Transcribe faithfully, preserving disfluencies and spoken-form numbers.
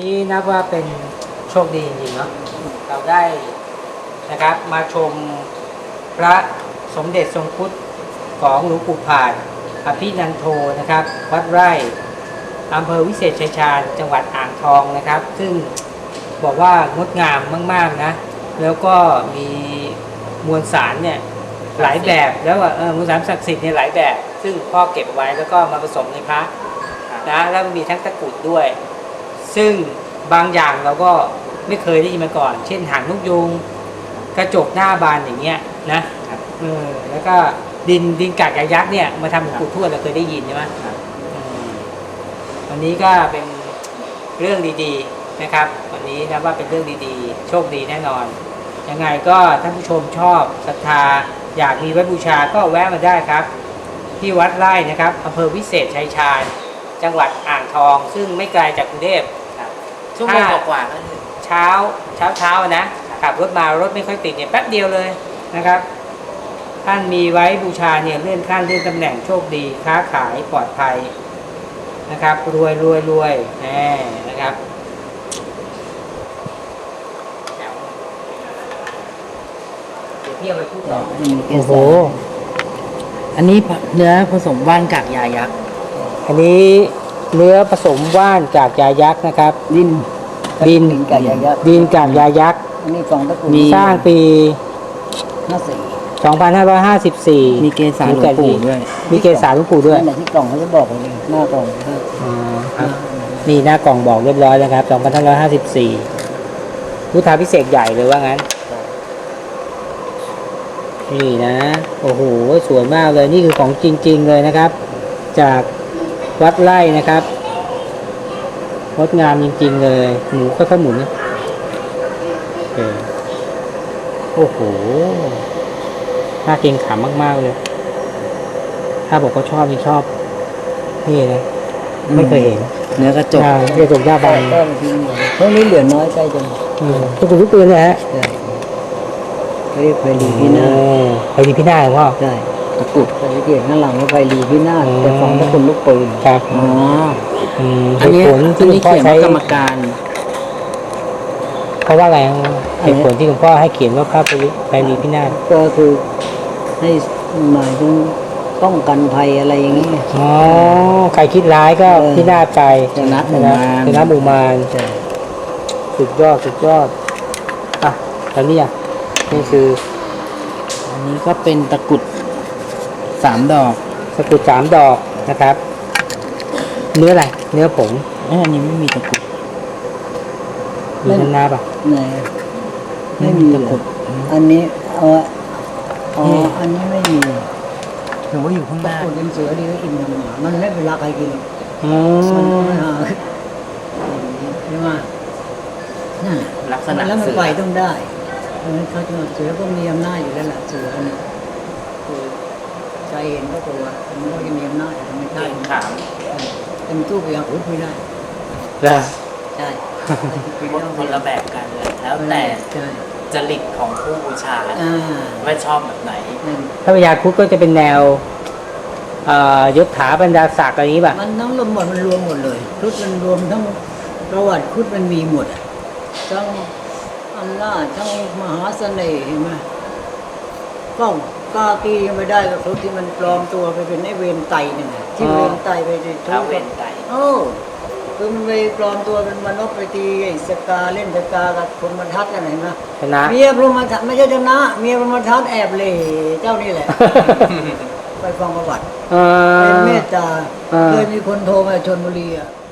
นี้นับว่าเป็นโชคดีจริงๆเนาะเราได้นะครับมาชมพระสมเด็จทรงพุทธของหลวงปู่ผาดอภินันโทนะครับวัดไร่อำเภอวิเศษชัยชาญจังหวัดอ่างทองนะครับซึ่งบอกว่างดงามมากๆนะแล้วก็มีมวลสารเนี่ยหลายแบบแล้วเออมวลสารศักดิ์สิทธิ์เนี่ยหลายแบบซึ่งพ่อเก็บไว้แล้วก็มาผสมในพระนะแล้วมีทั้งตะกรุดด้วยซึ่งบางอย่างเราก็ไม่เคยได้ยินมาก่อนเช่นหางนกยูงกระจกหน้าบานอย่างเงี้ยนะเออแล้วก็ดินดินกากยักษ์เนี่ยมาทำหลวงปู่ทวดเราเคยได้ยินใช่ไหมวันนี้ก็เป็นเรื่องดีๆนะครับวันนี้นะว่าเป็นเรื่องดีๆโชคดีแน่นอนยังไงก็ท่านผู้ชมชอบศรัทธาอยากมีไว้บูชาก็แวะมาได้ครับที่วัดไร่นะครับอำเภอวิเศษชัยชาญจังหวัดอ่างทองซึ่งไม่ไกลจากกรุงเทพชั่วโมงกว่าๆก็ถึงเช้าเช้าเช้านะขับรถมารถไม่ค่อยติดเนี่ยแป๊บเดียวเลยนะครับท่านมีไว้บูชาเนี่ยเลื่อนขั้นเลื่อนตำแหน่งโชคดีค้าขายปลอดภัยนะครับรวยรวยรวยแน่นะครับเดี๋ยวพี่เอาไปพูดต่อโอ้โหอันนี้เนื้อผสมว่านกากยายักษ์อันนี้เนื้อผสมว่านกากยายักษ์นะครับดินดินกากยายักษ์ดินกากยายักษ์อันนี้ฟองตะกุ่สร้างปีสองพันห้าร้อยห้าสิบสี่มีเกสาหลวงปู่ด้วยมีเกสาหลวงปู่ด้วยที่กล่องเขาจะบอกเลยหน้ากล่องอ๋อครับนี่หน้ากล่องบอกเรียบร้อยแล้วครับสองพันห้าร้อยห้าสิบสี่พุทธาพิเศษใหญ่เลยว่างั้นนี่นะโอ้โหสวยมากเลยนี่คือของจริงๆเลยนะครับจากวัดไร่นะครับงดงามจริงๆเลยหมูค่อยๆหมุนนะโอ้โหน่าเกรงขามมากๆเลยถ้าบอกก็ชอบนี่ชอบนี่นะไม่เคยเห็นเนื้อกระจกกระจกหน้าบานพวกนี้เหลือน้อยใกล้จังทุกคนทุกปืนเลยฮะเรียกไปรีพินาไปรีพินาเหรอพ่อใช่ตะกุดไปเกี่ยวข้างหลังว่าไปรีพินาแต่ฟองตะกุดลูกปืนครับอ๋ออันนี้ที่พ่อใช้กรรมการเพราะว่าอะไรเหตุผลที่คุณพ่อให้เขียนว่าพระไปรีพินาศก็คือให้หมายถึงป้องกันภัยอะไรอย่างนี้อ๋อใครคิดร้ายก็พินาศไปชนะหมู่มารชนะหมู่มารสุดยอดสุดยอดอ่ะตอนนี้อ่ะนี่คืออันนี้ก็เป็นตะกุดสามดอกตะกุดสามดอกนะครับเนื้ออะไรเนื้อผงอันนี้ไม่มีตะกุดมีน้ำน้ำป่ะไหนไม่มีตะกุดอันนี้เอาอ๋ออันนี้ไม่มีถือว่าอยู่ข้างหน้าตะกุดเป็นเสือดีก็กินมันมันไม่เป็นราใครกินอ๋อมันหาใช่ไหมนั่นลักษณะแล้วมันไปต้องได้เขาจะเสือก็มีอำนาจอยู่แล้วแหละเสือเนี่ยคือใจเห็นก็ตัวมันก็จะมีอำนาจไม่ได้ถามเป็นตู้ไปอย่างอื่นไม่ได้ใช่คนละแบบกันเลยแล้วแต่จริตของผู้บูชาว่าชอบแบบไหนถ้าพญาครุฑก็จะเป็นแนวยศถาบรรดาศักดิ์อะไรนี้ป่ะมันทั้งรวมหมดมันรวมหมดเลยครุฑมันรวมทั้งประวัติครุฑมันมีหมดทั้งอำนาจทั้งมหาเสน่ห์เห็นไหมก็กากียังไม่ได้กับครุฑที่มันปลอมตัวไปเป็นไอ้เวรไตเนี่ยที่เวรไตไปทุกเวรไตโอ้คือมันไปปลอมตัวเป็นมนุษย์ไปตีไอ้สกาเล่นสกากับพรหมทัตกันไหนมาชนะเมียพรหมทัตไม่ใช่ชนะเมียพรหมทัตแอบเลยเจ้านี่แหละไปฟังประวัติเป็นเมตตาเคยมีคนโทรมาชลบุรีอ่ะ